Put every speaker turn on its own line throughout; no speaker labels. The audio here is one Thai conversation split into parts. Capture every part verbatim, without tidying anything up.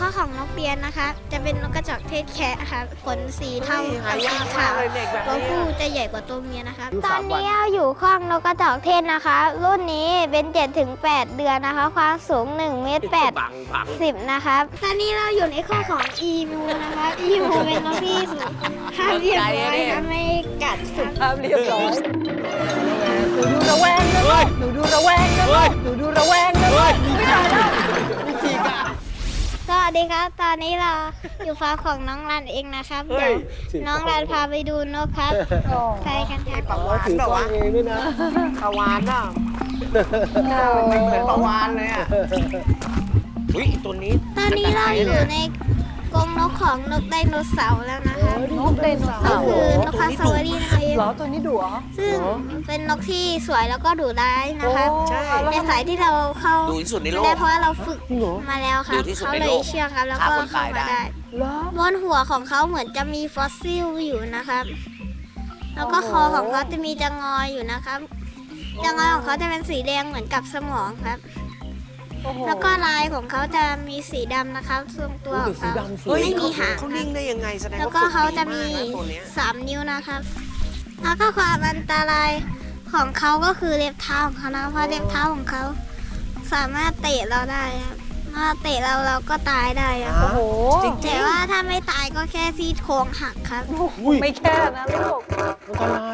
ข้อของนกเปียนนะคะจะเป็นนกกระจอกเทศแคะค่ะขนสีเทากับสีขาวตัวผู้จะใหญ่กว่าตัวเมียนะคะตอนนี้เราอยู่ข้องนกกระจอกเทศนะคะ รุ่นนี้เป็น เจ็ดถึงแปด เดือนนะคะ ความสูง1เมตรแปดสิบนะคะตอนนี้เราอยู่ในข้อของอีมูนะคะอีมูเป็นนกที่สุภาพเรียบร้อยค่ะไม่กัดสุด
ภาพเรียบร้อยหนูดูระแวงนะลูกหนูดูระแวงนะลูกหนูดูระแวงนะลูกไม่ได้แล้วจริงอ่ะ
สวัสดีครับ ตอนนี้เราอยู่ฟาร์มของน้องรันเองนะครับเดี๋ยวน้องรันพาไปดูนกครับไปกันครับ
ปลาวานแบบว่าเองด้วยนะปลาวานน่ะมันเหมือนปลาวานเลยอ่ะอุ้ยตัวนี้
ตอนนี้เราอยู่ในกรงนกของนกไดโนเสาร์แล้วนะคะ
นกไดโนเสา
ก็
ร์
คือนกคาสวารีนะคะ
เหรอตัวนี้ดุเหรอ
ซึ่งเป็นนกที่สวยแล้วก็ดุร้ายนะคะ
ใช่
ในสายที่เราเข้า
ดูที่สุดในโล
ไม่
ก
ได้เพราะว่าเราฝึกมาแล้วครับ
ดุที่สุด
เขา
ใน
เล
โล
ย
ก
เชื่องครับแล้วก็
ฆ่าคน
เข้า
ตายได้
มาได้
เหรอบ
นหัวของเขาเหมือนจะมีฟอสซิลอยู่นะครับ แล้วก็คอของเขาจะมีจะงอยอยู่นะครับจะงอยของเขาจะเป็นสีแดงเหมือนกับสมองครับ
โอ้โห
แล้วก็ลายของเขาจะมีสีดำนะครับทรงตัวของเขา
เฮ้ย
ไม่มีหาง
เขานิ่งได้ยังไงแสดง
แล้ว
ว่า
ก็
ฝึก
เขา
ดี
จะ
มา
มี
กนะตัวเนี้ย
สามนิ้วนะครับ แล้วก็ความอันตรายของเขาก็คือเล็บเท้าของเขานะเพราะเล็บเท้าของเขาสามารถเตะเราได้ครับถ้าเตะเราเราก็ตายได้ครับ
โอ้โห
จริง
แต่ว่าถ้าไม่ตายก็แค่ซี่โครงหักครับ
ไม่แค่นะลูก
อันตราย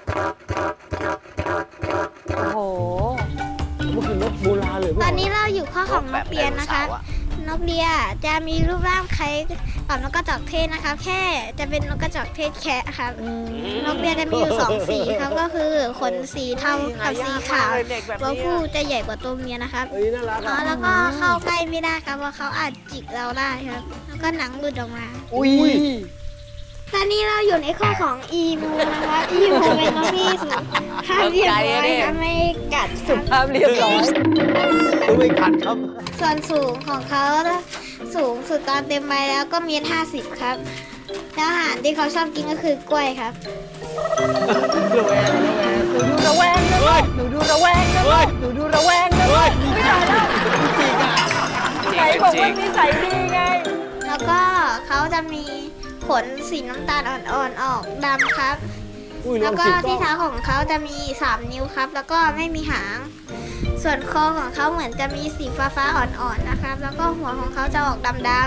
โอ้โห
มันคือนกโบราณเลย
ตอนนี้เราอยู่ข้อของนกเปียนนะคะ นกเบียจะมีรูปร่างคล้ายกับนกกระจอกเทศนะคะ แค่จะเป็นนกกระจอกเทศแคะครับ นกเบียจะมีอยู่สองสีครับก็คือขนสีเทากับสีขาวตัวผู้จะใหญ่กว่าตัวเมียนะครับ
เอ้ยน่ารัก
อ๋อ
อ่ะ
แล้วก็เข้าใกล้ไม่ได้ครับเพราะเขาอาจจิกเราได้ครับ แล้วก็หนังหลุดออกมา
อุ้ย
ตอนนี้เราอยู่ในข้อของอีมูนะคะอีมูเป็นนกที่สุภาพเรียบร้อยค่ะไม่กัดสุด
ภาพเรียบร้อย
ตัวไม่ขัดครับ
ส่วนสูงของเขาสูงสุดตอนเต็มใบแล้วก็เมตรห้าสิบครับแล้วอาหารที่เขาชอบกินก็คือกล้วยครับ
ระแวงระแวง
หนูดูระแวงนะลูกหนูดูระแวงนะลูกหนูดูระแวงนะลูกไม่ได้แล้วจริงอ่ะไหนบอกว่านิสัยดีไง
แล้วก็เขาจะมีขนสีน้ำตาลอ่อนๆออกดำครับ
อุ้ยล
แล้
อ
ว
ง
ก็
จิก
ที่
ก็
เท้าของเขาจะมีสามนิ้วครับ แล้วก็ไม่มีหาง ส่วนคอของเขาเหมือนจะมีสีฟ้าๆอ่อนๆนะครับ แล้วก็หัวของเขาจะออกดำ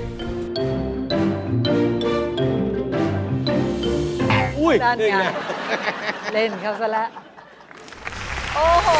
ๆ
อุ้ย
ด้าน
นี่
ไง
ไง
เล่นเขาซะแล้ว โอ้โห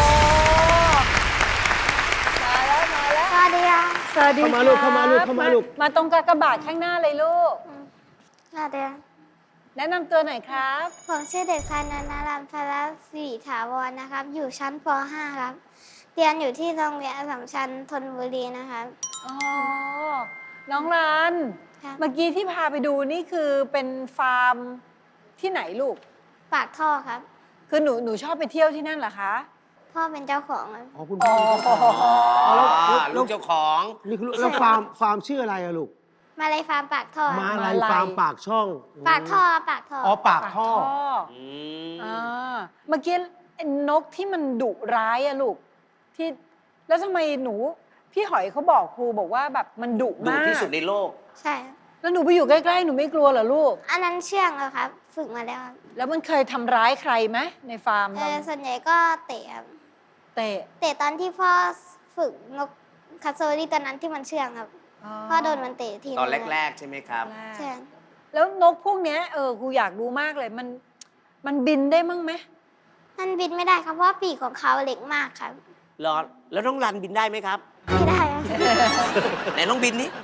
มาแล้ว มาแล้ว
สวัสดีครับ
สวัสดี
เข้ามาลูกเข้ามาลูกเข้ามาลูก
มาตรงกากบาทข้างหน้าเลยลูก
สวัสดีครับ
แนะนำตัวหน่อยครับ
ผมชื่อเด็กชายนันทรัมพลศรีถาวรนะครับ อยู่ชั้นป .ห้า ครับ เรียนอยู่ที่โรงเรียนอัสสัมชัญธนบุรีนะครับ
อ๋อ น้องรัน
ครับ
เมื่อกี้ที่พาไปดูนี่คือเป็นฟาร์มที่ไหนลูก
ปากท่อครับ
คือหนูหนูชอบไปเที่ยวที่นั่นเหรอคะ
พ่อเป็นเจ้าของครับ
อ๋อคุณ
อ๋
พ่
อ
อ
อ๋อ
แล้ว
ลูกเจ้าของ
นี่คือแล้วฟาร์มฟาร์มชื่ออะไรอะลูก
มาเลยฟาร์มปากท่อ
มาลายฟาร์มปากช่อง
ปากท่อปากท่อ
อ๋อปากท่อ
อืม
อ่าเมื่อกี้ไอ้นกที่มันดุร้ายอะลูกที่แล้วทำไมหนู พี่หอยเขาบอกครูบอกว่าแบบมันดุ
ดุ
มาก
ที่สุดในโลก
ใช่ครับ
แล้วหนูไปอยู่ใกล้ๆหนูไม่กลัวเหรอลูก
อันนั้นเชื่องแล้วครับ ฝึกมาแล้วครับ
แล้วมันเคยทำร้ายใครไหมในฟาร์ม
เอ
เรา
อส่วนใหญ่ก็เตะครับ
เตะ
เตะตอนที่พ่อฝึกนกคาโซรี่ตอนนั้นที่มันเชื่องครับ พ่อโดนมันเตะที
ตอน
ง
แรก ๆ ใช่ไหมครับ
ใช่
แล้วนกพวกเนี้ยเออครูอยากรู้มากเลยมันมันบินได้มั้งไหม
มันบินไม่ได้ครับเพราะว่าปีกของเขาเล็กมากครับ
รอ แล้วน้องรันบินได้ไหมครับ
ไม่ได้ครับ
ไหนน้องบินนี่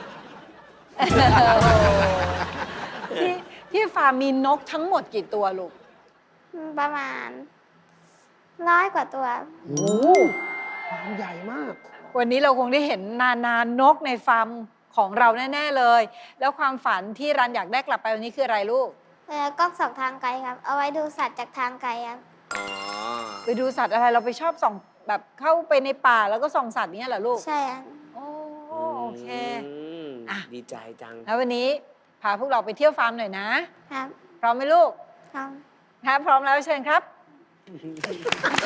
ที่ที่ฟาร์มมีนกทั้งหมดกี่ตัวลูก
ประมาณร้อยกว่าตัว
โอ้ฟาร์มใหญ่มาก
วันนี้เราคงได้เห็นนานานกในฟาร์มของเราแน่ ๆ เลย แล้วความฝันที่รันอยากได้กลับไปวันนี้คืออะไรลูก
เออกล้องสองทางไกลครับ เอาไว้ดูสัตว์จากทางไกลครับ
อ๋อ
ไปดูสัตว์อะไรเราไปชอบส่องแบบเข้าไปในป่าแล้วก็ส่องสัตว์เนี้ยเหรอลูก
ใช่ครับ
โอ้โอเค
ม
อ่ะ
ดีใจจัง
แล้ววันนี้พาพวกเราไปเที่ยวฟาร์มหน่อยนะ
ครับ
พร้อมไหมลูก
ครับ
ถ้าพร้อมแล้วเชิญครับ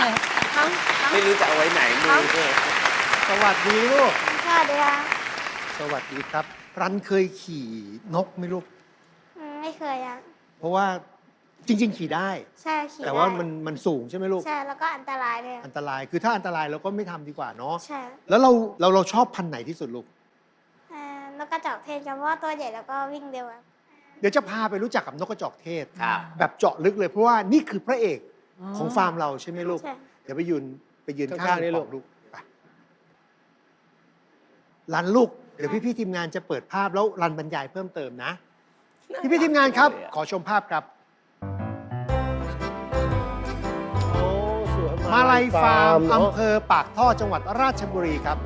น้องน้อง
ไม่รู้จะเอาไว้ไหนมือ
สวัสดีลูก
สวัสดีครับ
สวัสดีครับ รันเคยขี่นกไหมลูก
อืมไม่เคยอ่ะ
เพราะว่าจริง ๆ ขี่ได้
ใช่ขี่
แต่ว่า
ได้
มันมันสูงใช่ไหมลูก
ใช่แล้วก็อันตรายด้วย
อันตรายคือถ้าอันตรายเราก็ไม่ทำดีกว่าเนาะ
ใช่
แล้วเราเราเราชอบพันธุ์ไหนที่สุดลูก
เอ่อนกกระจอกเทศครับเพราะว่าตัวใหญ่แล้วก็วิ่งเร็วครับ
เดี๋ยวจะพาไปรู้จักกับนกกระจอกเทศ
ครับ
แบบเจาะลึกเลยเพราะว่านี่คือพระเอกของฟาร์มเราใช่ไหมลูก
ใช่
เดี๋ยวไปยืนไปยืน
ข้างๆ
ข้าง
นี่
นี่
ลู
ลู
ก
กลูกไปรันลูก เดี๋ยวพี่ๆทีมงานจะเปิดภาพแล้วรันบรรยายเพิ่มเติมนะ พี่ๆทีมงานครับ ขอชมภาพครับ
โอ้สวย
มาลัยฟาร์ม
เนอะ
อำเภอปากท่อจังหวัดราชบุรีครับ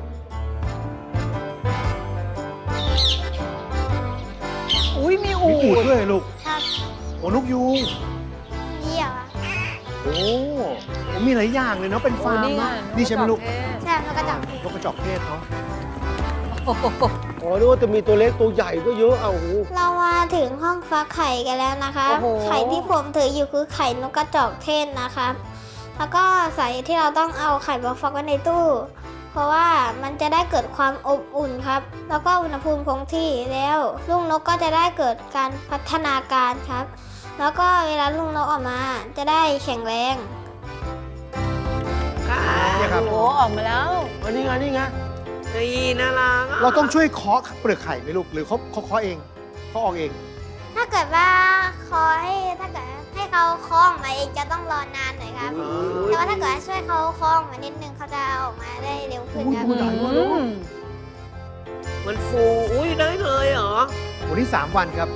อุ้ยมีอู
มีอูด
ด
ด้วยลูก
ครับ
โอ้นกยูง
เยี่ยวอะ
โอ้โหมีหลายอย่างเลยเนาะเป็นฟาร์ม
โอ้นี่ไง
เนอะนี่ใช่ไหมลูก
ใช่นกกระจอกเทศ
นกกระจอกเทศเนาะ
โอ้โห
อ๋อนึกว่าจะมีตัวเล็กตัวใหญ่ก็เยอะเอาโอ้โห
เรามาถึงห้องฟักไข่กันแล้วนะคะ
โอ้โห
ไข่ที่ผมถืออยู่คือไข่นกกระจอกเทศนะคะแล้วก็สาเหตุที่เราต้องเอาไข่มาฟักไว้ในตู้ เพราะว่ามันจะได้เกิดความอบอุ่นครับ แล้วก็อุณหภูมิคงที่แล้วลูกนกก็จะได้เกิดการพัฒนาการครับ แล้วก็เวลาลูกนกออกมาจะได้แข็งแรง
เนี่ยครับ
โอ้โหออกมาแล้ว
อันนี้ไงนี่ไงนี่น่ารักอะ
เราต้องช่วยเคาะเปลือกไข่ไหมลูกหรือเขาเขาเคาะเองเขาออกเอง
ถ้าเกิดว่าคอให้ถ้าเกิดให้เขาคล้องมาเองจะต้องรอนานหน่อยครับ แต่ว่าถ้าเกิดช่วยเขาคล้องมานิดนึงเขาจะเอาออกมาได้เร็วขึ้นครับ
อุ้ย
อืม
มันฟูอุ้ยได้เลยเหรอ
วันนี้สามวันครับ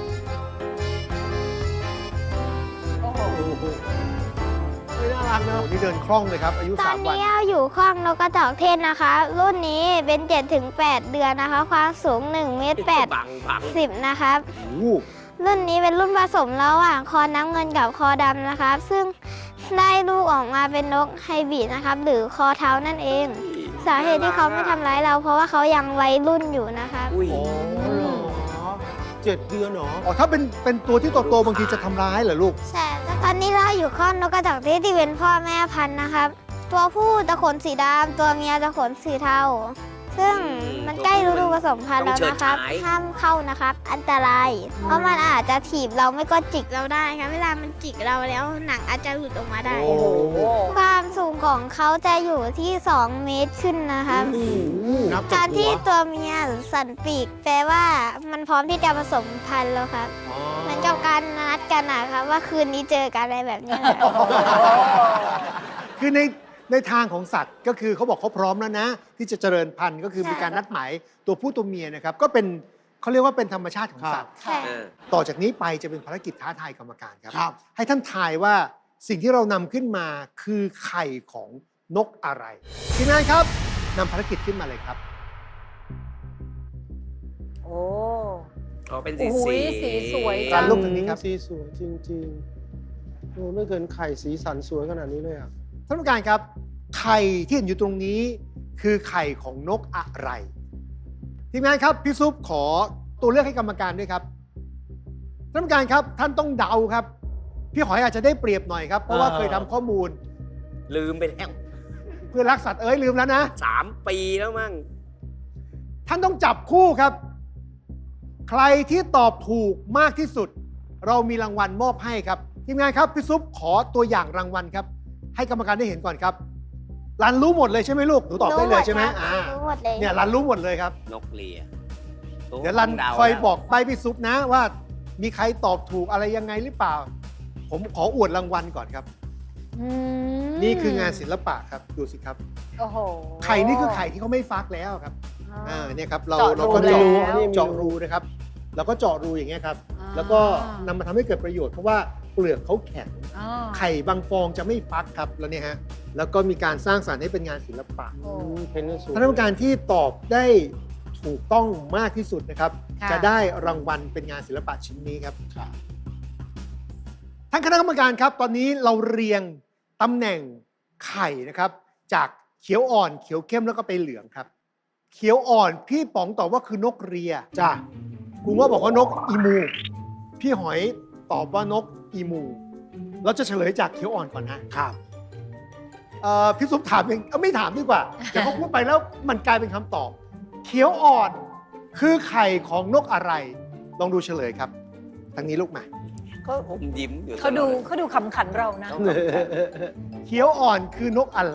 โอ้โห
โอ้โห
เฮ้ยน่ารักเนอะ
วันนี้เดินคล่องเลยครับ อายุ
ตอ
สาน มวัน
นี้เราอยู่ข้องนกกระจอกเทศนะคะ รุ่นนี้เป็น เจ็ดถึงแปด เดือนนะคะ ความสูง1เมตร
บังบัง
สิบนะครับ
โอ้โห
รุ่นนี้เป็นรุ่นผสมระหว่างคอน้ำเงินกับคอดำนะครับ ซึ่งได้ลูกออกมาเป็นนกไฮบริดนะครับ หรือคอเท้านั่นเอง สาเหตุที่เขาไม่ทำร้ายเรา เพราะว่าเขายังวัยรุ่นอยู่นะครับ
อุ้ย
โอ้เหรอ
เจ็ดเดือนเหรอ
อ๋อถ้าเป็นเป็นตัวที่โตๆบางทีจะทำร้ายเหรอลูก
ใช่แล้วตอนนี้เราอยู่ข้องนกกระจอกเทศที่เป็นพ่อแม่พันธุ์นะครับ ตัวผู้จะขนสีดำตัวเมียจะขนสีเทา ซึ่งมันใกล้ฤดูผสมพันธุ์แล้วนะครับ ห้ามเข้านะครับ อันตราย เพราะมันอาจจะถีบเราไม่ก็จิกเราได้ครับ เวลามันจิกเราแล้วหนังอาจจะหลุดออกมาได้
โอ้โห
ความสูงของเขาจะอยู่ที่ สอง เมตรขึ้นนะครับ
นับ
กา
จาก
ร
หั
ที่
ว
ตัวเมียสั่นปีก แปลว่ามันพร้อมที่จะผสมพันธุ์แล้วครับ
อ๋อ
เหมือนกับการนัดกันนะครับว่าคืนนี้เจอกันอะไรแบบนี้นะครับ
คือในในทางของสัตว์ก็คือเขาบอกเขาพร้อมแล้วนะ ที่จะเจริญพันธุ์ก็คือ
ใช่
มีการนัดหมายตัวผู้ตัวเมียนะครับ ก็เป็นเขาเรียกว่าเป็นธรรมชาติของสัตว์
ใช่
เออ
ต่อจากนี้ไปจะเป็นภารกิจท้าทายกรรมการครับ
ครับ
ให้ท่านทายว่าสิ่งที่เรานำขึ้นมาคือไข่ของนกอะไรทีมงานครับนำภารกิจขึ้นมาเลยครับ
โอ้
อ๋อเป็นสี
โอ้ยสีสวยจั
จาง นลูกทางนี้ครับ
สีสวยจริงๆโอ้ไม่เคยไข่สีสันสวยขนาดนี้เลยอ่ะ
ท่านผู้การครับ ไข่ที่เห็นอยู่ตรงนี้คือไข่ของนกอะไรทีมงานครับพี่ซุปขอตัวเลือกให้กรรมการด้วยครับท่านผู้การครับท่านต้องเดาครับพี่หอยอาจจะได้เปรียบหน่อยครับเพราะว่า
เออ
เคยทำข้อมูล
ลืมไปแล้ว
เพื่อนรักสัตว์เอ้ยลืมแล้วนะ
สามปีแล้วมั้ง
ท่านต้องจับคู่ครับ ใครที่ตอบถูกมากที่สุด เรามีรางวัลมอบให้ครับทีมงานครับพี่ซุปขอตัวอย่างรางวัลครับ ให้กรรมการได้เห็นก่อนครับรันรู้หมดเลยใช่ไหมลูกหนูตอบได้เลยใช่ไหม
รู้
อ่า
รู้หมดเลย
เนี่ยรันรู้หมดเลยครับ
นกเลีย
เดี๋ยวรันคอยบอกใบพี่ซุปนะว่ามีใครตอบถูกอะไรยังไงหรือเปล่า ผมขออวดรางวัลก่อนครับ
อืม
นี่คืองานศิลปะครับดูสิครับ
โอ้โห
ไข่นี่คือไข่ที่เขาไม่ฟักแล้วครับอ่าเนี่ยครับเรา
เจาะรู
เราก็
แล้ว
เจาะเจาะรูนะครับเราก็เจาะรูอย่างเงี้ยครับ
อ่า
แล้วก็นำมาทำให้เกิดประโยชน์เพราะว่าเปลือกเขาแข็ง
อ๋อ
ไข่บางฟองจะไม่ฟักครับแล้วเนี่ยฮะแล้วก็มีการสร้างสรรค์ให้เป็นงานศิลปะ
โอ้
เพนก็สวย
ท่านผู้การที่ตอบได้ถูกต้องมากที่สุดนะครับ
ค่ะ
จะได้รางวัลเป็นงานศิลปะชิ้นนี้ครับท่านคณะกรรมการครับ ตอนนี้เราเรียงตำแหน่งไข่นะครับ จากเขียวอ่อนเขียวเข้มแล้วก็ไปเหลืองครับ เขียวอ่อนพี่ป๋องตอบว่าคือนกเรียจ้ะครูว่าบอกว่านกอีมู พี่หอยตอบว่านกอีมู เราจะเฉลยจากเขียวอ่อนก่อนนะครับ เอ่อพี่ซุปถามเองเอ้าไม่ถามดีกว่า เดี๋ยวเขาพูดไปแล้วมันกลายเป็นคำตอบ เขียวอ่อนคือไข่ของนกอะไร ลองดูเฉลยครับทางนี้ลูกมา
ก็อมยิ้มอยู่
เขาดู
ตลอลย
เขาดูขำขันเรานะ
เขียวอ่อนคือนกอะไร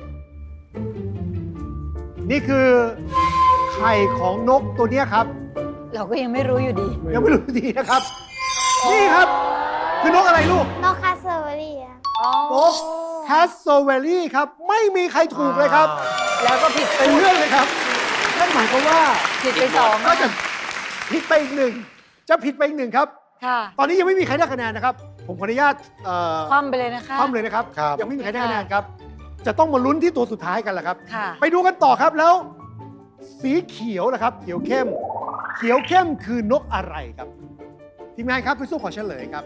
นี่คือไข่ของนกตัวเนี้ยครับ
เราก็ยังไม่รู้อยู่ดี
ยังไม่รู้ดีนะครับ นี่ครับ คือนกอะไรลูก
นกคาสเซอร์รี่อะ
อ๋อ
นกแคสโซเวลลี่ครับ ไม่มีใครถูกเลยครับ
แล้วก็ผิด
เป็นเรื่องเลยครับนั่นหมายความว่า
ผิดไปสอง
ก็จะผิดไปอีกหนึ่ง จะผิดไปอีกหนึ่งครับ
ค่ะ
ตอนนี้ยังไม่มีใครได้คะแนนนะครับ ผมขออนุญาตเอ่อ
คว่ำไปเลยนะคะ
คว่ำเลยนะครับ
ครับ
ยังไม่มีใครได้คะแนนครับ จะต้องมาลุ้นที่ตัวสุดท้ายกันแหละครับ
ค่ะ
ไปดูกันต่อครับแล้ว สีเขียวนะครับ เขียวเข้ม เขียวเข้มคือนกอะไรครับ ทีมงานครับพี่สู้ขอเฉลยครับ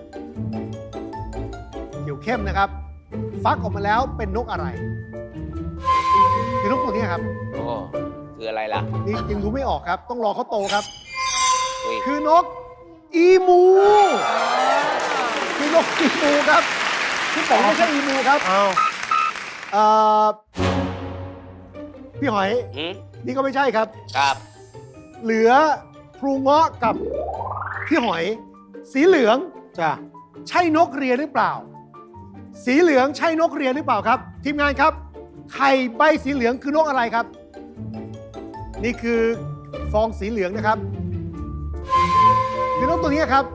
เขียวเข้มนะครับ ฟักออกมาแล้วเป็นนกอะไร คือนกตัวนี้ครับ
โอ้คืออะไรล่ะ
นี่ยังดูไม่ออกครับ ต้องรอเขาโตครับ
อุ้ย
คือนกอีมู คือนกอีมูครับพี่ป๋องไม่ใช่อีมูครับ
อ้าว
เอ่อพี่หอย
หืม
นี่ก็ไม่ใช่ครับ
ครับ
เหลือครูเงาะกับพี่หอย สีเหลือง
จ้ะ
ใช่นกเรียหรือเปล่า สีเหลืองใช่นกเรียหรือเปล่าครับ ทีมงานครับ ไข่ใบสีเหลืองคือนกอะไรครับ นี่คือฟองสีเหลืองนะครับ คือนกตัวนี้ครับ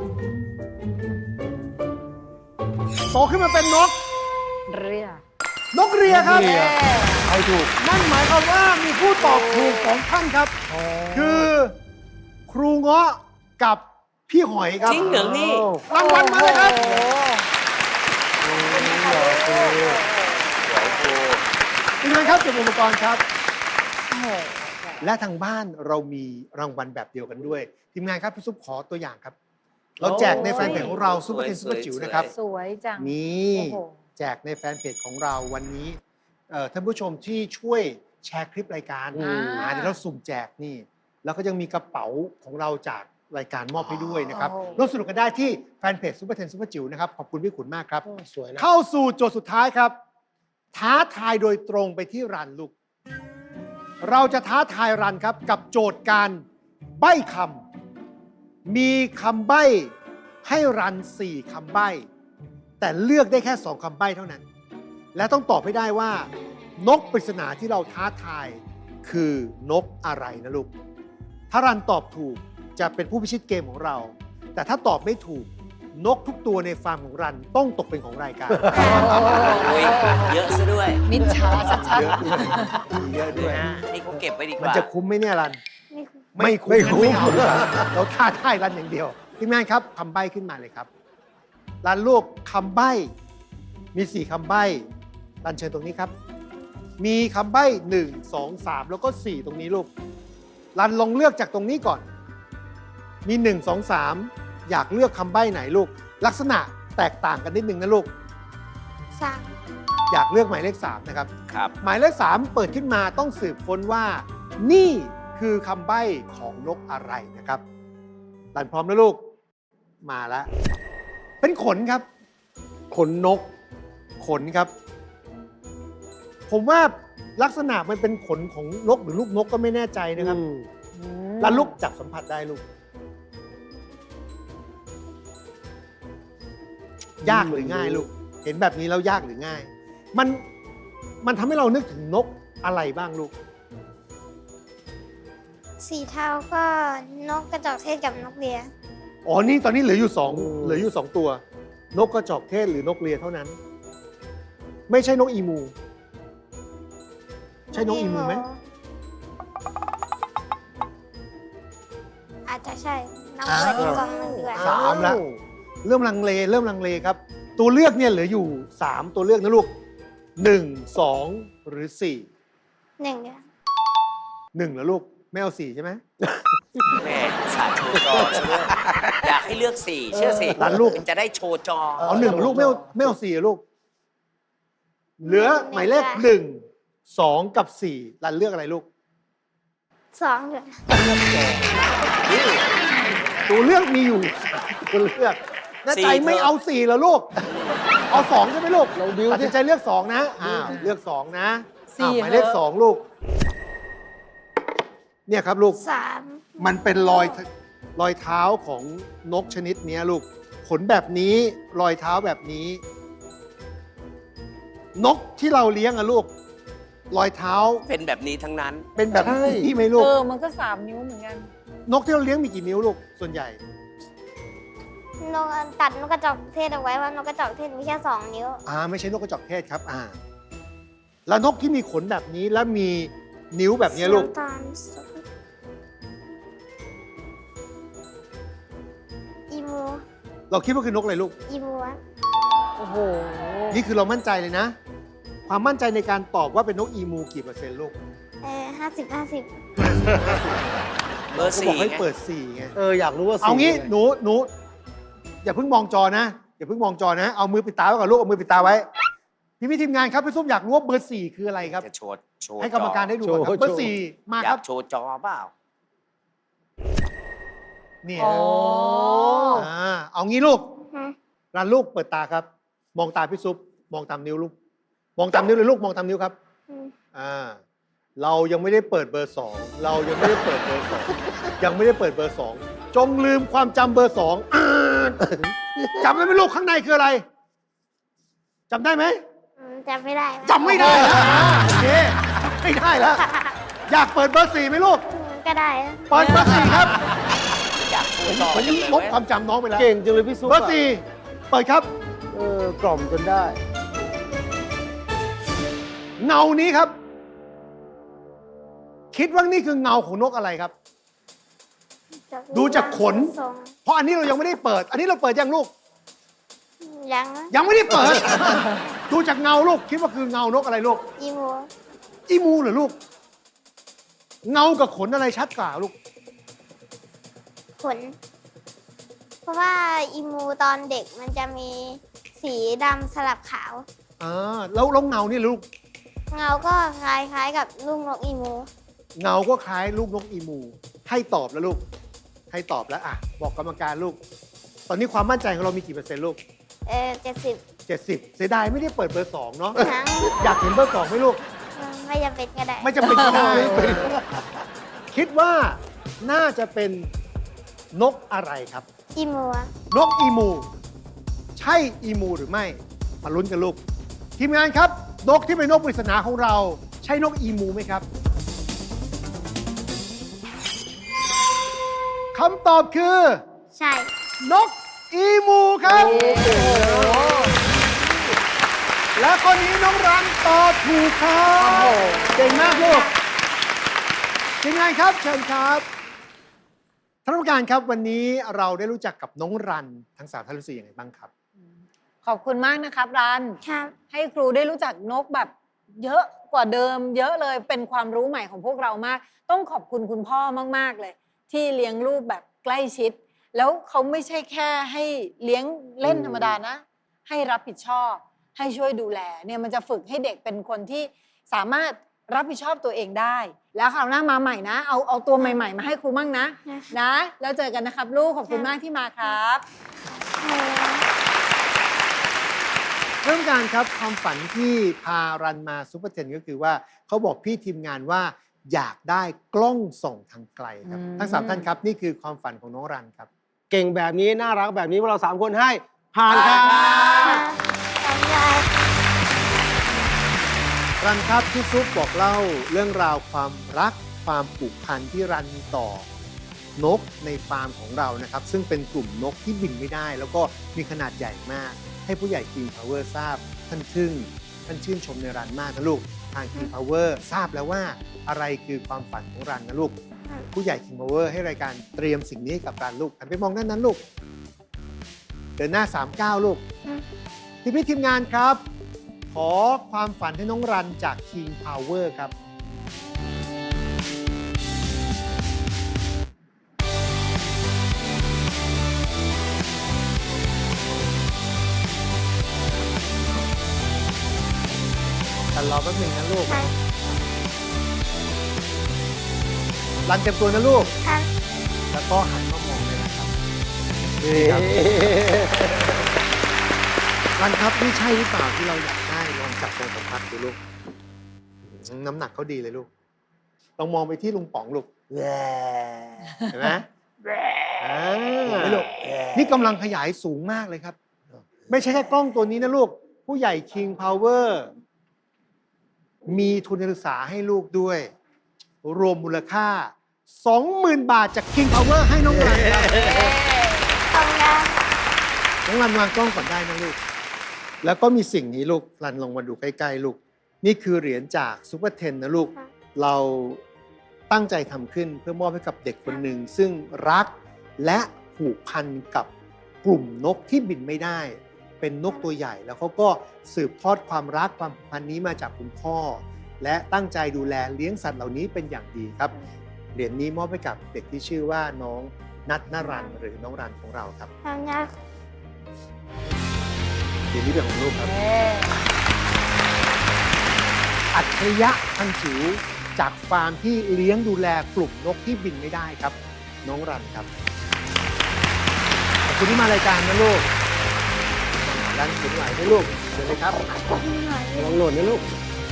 โตขึ้นมาเป็นนก
เรีย
นกเรียครับ
นกเรีย ใครถูก
นั่นหมายความว่ามีผู้ตอบถูกสองท่านครับ คือครูเงาะกับพี่หอยครับ
จริงเหรอนี่
รางวัลมาเลยครับ
โอ้โห
สวยครู
ทีมงานครับเก็บอุปกรณ์ครับ
โอ้โห
และทางบ้านเรามีรางวัลแบบเดียวกันด้วย ทีมงานครับพี่ซุปขอตัวอย่างครับ เราแจกในแฟนเพจของเราซุปเปอร์เทนซุปเปอร์จิ๋วนะครับ
สวยจัง
นี่
โอ้โห
แจกในแฟนเพจของเราวันนี้เอ่อท่านผู้ชมที่ช่วยแชร์คลิปรายการ
อืม
อ่าเดี๋ยวเราสุ่มแจกนี่ แล้วก็ยังมีกระเป๋าของเราจากรายการมอบให้ด้วยนะครับ
โอ้โห
ร่วมสนุกกันได้ที่แฟนเพจซุปเปอร์เทนซุปเปอร์จิ๋วนะครับขอบคุณพี่ขุนมากครับ
โอ้สวยนะ
เข้าสู่โจทย์สุดท้ายครับ ท้าทายโดยตรงไปที่รันลูก เราจะท้าทายรันครับกับโจทย์การใบ้คำมีคำใบ้ให้รันสี่คำใบ้ แต่เลือกได้แค่สองคำใบ้เท่านั้น และต้องตอบให้ได้ว่า นกปริศนาที่เราท้าทายคือนกอะไรนะลูก ถ้ารันตอบถูกจะเป็นผู้พิชิตเกมของเรา แต่ถ้าตอบไม่ถูกนกทุกตัวในฟาร์มของรันต้องตกเป็นของรายการ
อุ้ยเยอะซะด้วย
มิจฉาชัด
เยอะด้วยเยอะด้วย
นะนี่เขาเก็บไว้ดีก
มัน
ว่า
จะคุ้มไหมเนี่ยรัน
ไม่คุ้ม
ไม่คุ้มไม่คุ้มเราท้าทายรันอย่างเดียวทีมงานครับคำใบ้ขึ้นมาเลยครับรันลูกคำใบ้มีสี่คำใบ้รันเชิญตรงนี้ครับ มีคำใบ้หนึ่งสองสามแล้วก็สี่ตรงนี้ลูกรันลองเลือกจากตรงนี้ก่อน มีหนึ่งสองสามอยากเลือกคำใบ้ไหนลูก ลักษณะแตกต่างกันนิดนึงนะลูก
สาม
อยากเลือกหมายเลขสามนะครับ
ครับ
หมายเลขสามเปิดขึ้นมาต้องสืบค้นว่า นี่คือคำใบ้ของนกอะไรนะครับรันพร้อมแล้วลูก มาแล้ว เป็นขนครับ ขนนก ขนครับ ผมว่าลักษณะมันเป็นขนของนกหรือลูกนกก็ไม่แน่ใจนะครับ
อืม
ๆอืม
รันลูกจับสัมผัสได้ลูก ยากหรือง่ายลูก เห็นแบบนี้แล้วยากหรือง่าย มันมันทำให้เรานึกถึงนกอะไรบ้างลูก
สีเทาก็นกกระจอกเทศกับนกเรีย
อ๋อ นี่ตอนนี้เหลืออยู่สอง
อืม
เหลืออยู่สองตัว นกกระจอกเทศหรือนกเรียเท่านั้น ไม่ใช่นกอีมู ใช่นกอีมูไหม
อาจจะใช่น้องเปิดอีกกล่องหนึ่งดีกว่า
สามละ เริ่มลังเล เริ่มลังเลครับ ตัวเลือกเนี่ยเหลืออยู่สามตัวเลือกนะลูกหนึ่งสองหรือสี่
หนึ่งเดียว
หนึ่งเหรอลูก ไม่เอาสี่ใช่ไหม
แม่สาโชว์จอซะด้วยอยากให้เลือกสี่เชื่อสิ
หลานลูก
มันจะได้โชว์จอ
เอาหนึ่งลูกไม่เอาไม่เอาสี่อะลูก เหลือหมายเลขหนึ่งสองกับสี่รันเลือกอะไรลูก
สองเดียว
ตัวเลือกมีอยู่ตัวเลือกแน่ใจไม่เอาสี่เหรอลูก เอาสองใช่ไหมลูก
เราดิว
ตัด
สิ
สินใจเลือกสองนะอ้าวเลือกสองนะ
สี่
อ้าวหมายเลข
เหรอ
สองลูกเนี่ยครับลูก
สาม
มันเป็นรอยรอยเท้าของนกชนิดเนี้ยลูก ขนแบบนี้ รอยเท้าแบบนี้ นกที่เราเลี้ยงอะลูก รอยเท้า
เป็นแบบนี้ทั้งนั้น
เป็นแบบ
ใช่
นี้ไหมลูก
เออ มันก็สามนิ้วเหมือนกัน
นกที่เราเลี้ยงมีกี่นิ้วลูก ส่วนใหญ่
นกตัดนกกระจอกเทศเอาไว้ว่านกกระจอกเทศมีแค่สองนิ้ว
อ่า ไม่ใช่นกกระจอกเทศครับ อ่า แล้วนกที่มีขนแบบนี้แล้วมีนิ้วแบบเนี้ยลูก
น้ำตาลอีมู
เราคิดว่าคือนกอะไรลูก
อีมูอะ
โอ้โห
นี่คือเรามั่นใจเลยนะ ความมั่นใจในการตอบว่าเป็นนกอีมูกี่เปอร์เซ็นต์ลูก
เออห้าสิบห้าสิบ
เบอร์
ก็
สี่
บอกให้
ไง
เปิดสี่ไง
เอออยากรู้ว่าสี
เอางี้
ไ
หนูหนูอย่าเพิ่งมองจอนะ อย่าเพิ่งมองจอนะ เอามือปิดตาไว้ก่อนลูก เอามือปิดตาไว้ พี่พี่ทีมงานครับพี่ส้มอยากรู้ว่าเบอร์สี่คืออะไรครับ
จะโชว์โชว์
ให้กรรมการได้ดูก่อนครับ เบอร์สี่มา
อ
ค
ยา
รับ
กโชว์จอเปล่า
เนี่ย
อ๋อ
อ่าเอางี้ลูก
ฮะ
รันลูกเปิดตาครับ มองตาพี่ซุปมองตามนิ้วลูก มองตามนิ้วเลยลูก มองตามนิ้วครับ
อืม
อ่า เรายังไม่ได้เปิดเบอร์สอง เรายังไม่ได้เปิดเบอร์สอง ยังไม่ได้เปิดเบอร์สอง จงลืมความจำเบอร์สองอ่าจำได้ไหมลูกข้างในคืออะไรจำได้ไหม
อืมจำไม่ได้
จำไม่ได้แล้วอ่าโอเคไม่ได้แล้ว อยากเปิดเบอร์สี่ไหมลูก
อืมก็ได้
เปิดเบอร์สี่ครับ
อยากโชว์จอ
ผม
จังเลย
ลบ
เว้ย
ความจำน้องไปแล้ว
เก่งจังเลยพี่ซุป
เบอร์สี่เปิดครับ
เออกล่อมจนได้
เงานี้ครับ คิดว่านี่คือเงาของนกอะไรครับ ดูจากขน
ทรง
เพราะอันนี้เรายังไม่ได้เปิด อันนี้เราเปิดยังลูก
ยังนะ
ยังไม่ได้เปิด ดูจากเงาลูก คิดว่าคือเงานกอะไรลูก
อีมู
อีมูเหรอลูก เงากับขนอะไรชัดกว่าลูก
ขน เพราะว่าอีมูตอนเด็กมันจะมีสีดำสลับขาว
อ่าแล้วแล้วเงานี่ลูก
เงาก็คล้ายๆกับลูกนกอีมู
เงาก็คล้ายลูกนกอีมู ให้ตอบแล้วลูก ให้ตอบแล้วอ่ะ บอกกรรมการลูก ตอนนี้ความมั่นใจของเรามีกี่เปอร์เซ็นต์ลูก
เออเจ็ดสิบ
เจ็ดสิบเสียดายไม่ได้เปิดเบอร์สองเนาะ
ทั้ง
อยากเห็นเบอร์สองไหมลูก
ไม่จำเป็นก็ได้
ไม่จำเป็นก็ได้ คิดว่าน่าจะเป็นนกอะไรครับ
อีมูอะ
นกอีมู ใช่อีมูหรือไม่ มาลุ้นกันลูก ทีมงานครับ นกที่เป็นนกปริศนาของเรา ใช่นกอีมูไหมครับคำตอบคือ
ใช่
นกอีมูครับ และข้อนี้น้องรันตอบถูกครับเก่งมากลูกทีมงานครับเชิญครับท่านผู้การครับวันนี้เราได้รู้จักกับน้องรันทั้งสามท่านรู้สึกยังไงบ้างครับ
ขอบคุณมากนะครับรัน
ครับ
ให้ครูได้รู้จักนกแบบเยอะกว่าเดิม เยอะเลยเป็นความรู้ใหม่ของพวกเรามาก ต้องขอบคุณคุณพ่อมากๆเลย ที่เลี้ยงลูกแบบใกล้ชิด แล้วเขาไม่ใช่แค่ให้เลี้ยงเล่นธรรมดานะ ให้รับผิดชอบ ให้ช่วยดูแลเนี่ยมันจะฝึกให้เด็กเป็นคนที่สามารถรับผิดชอบตัวเองได้ แล้วคราวหน้ามาใหม่นะ เอาเอาตัวใหม่ๆ มาให้ครูมั่งนะ นะ แล้วเจอกันนะครับลูกขอบคุณมากที่มาครับ
เริ่มการครับความฝันที่พารันมาซูเปอร์เทนก็คือว่าเขาบอกพี่ทีมงานว่าอยากได้กล้องส่องทางไกลครับ
อืม
ทั้งสามท่านครับนี่คือความฝันของน้องรันครับ
เก่งแบบนี้น่ารักแบบนี้พวกเราสามคนให้ผ่านครับ
ทำได้
รันครับที่ซุปบอกเล่าเรื่องราวความรักความผูกพันที่รันมีต่อนกในฟาร์มของเรานะครับ ซึ่งเป็นกลุ่มนกที่บินไม่ได้ แล้วก็มีขนาดใหญ่มาก ให้ผู้ใหญ่ King Power ทราบท่านทึ่งท่านชื่นชมในรันมากนะลูกทาง King Power ทราบแล้วว่าอะไรคือความฝันของรันนะลูก ผู้ใหญ่ King Power ให้รายการเตรียมสิ่งนี้ให้กับรันลูกหันไปมองด้านนั้นลูกเดินหน้าสามเก้าลูกทีมพี่ทีมงานครับ ขอความฝันให้น้องรันจาก King Power ครับ กันรอแป๊บหนึ่งนะลูก
ครับ
รันเต็มตัวนะลูก
ครับ
แล้วก็หันมามองเลยนะครับ
เอ๊ะ
รันครับนี่ใช่หรือเปล่าที่เราอยากได้ลองจับตรงสัมผัสดูลูกอืมน้ำหนักเขาดีเลยลูกลองมองไปที่ลุงป๋องลูกเห็นไหมอ่าไม่ลูกนี่กำลังขยายสูงมากเลยครับ ไม่ใช่แค่กล้องตัวนี้นะลูก ผู้ใหญ่ King Power มีทุนการศึกษาให้ลูกด้วย รวมมูลค่า สองหมื่น บาทจาก King Power ให้น้องรันครับ
ทำงาน
น้องรันวางกล้องก่อนได้นะลูก แล้วก็มีสิ่งนี้ลูกรันลองมาดูใกล้ๆลูก นี่คือเหรียญจากซูเปอร์เทนนะลูก เราตั้งใจทำขึ้นเพื่อมอบให้กับเด็กคนหนึ่งซึ่งรักและผูกพันกับกลุ่มนกที่บินไม่ได้ เป็นนกตัวใหญ่ แล้วเขาก็สืบทอดความรักความผูกพันนี้มาจากคุณพ่อ และตั้งใจดูแลเลี้ยงสัตว์เหล่านี้เป็นอย่างดีครับ เหรียญนี้มอบให้กับเด็กที่ชื่อว่าน้องนัทนรันหรือน้องรันของเราครับ
ทำงาน
เหรียญนี้เป็นของลูกครับ อัจฉริยะพันจิ๋วจากฟาร์มที่เลี้ยงดูแลกลุ่มนกที่บินไม่ได้ครับ น้องรันครับขอบคุณที่มารายการนะลูกรันเข็นไหวไหมลูกเชิญเลยครับ
ลองโหลดนะลูก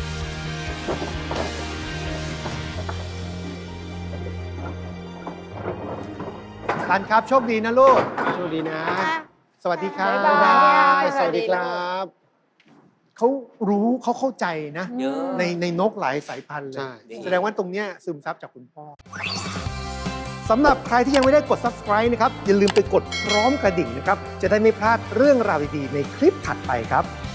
รันครับโชคดีนะลูก
โชคดีนะ
สวัสดีครับ
บ๊ายบาย
สวัสดีครับ
เขารู้เขาเข้าใจนะ
เยอะ
ในในนกหลายสายพันธุ์เล
ใช่
ย แสดงว่าตรงเนี้ยซึมซับจากคุณพ่อ สำหรับใครที่ยังไม่ได้กด Subscribe นะครับ อย่าลืมไปกดพร้อมกระดิ่งนะครับ จะได้ไม่พลาดเรื่องราวดีๆในคลิปถัดไปครับ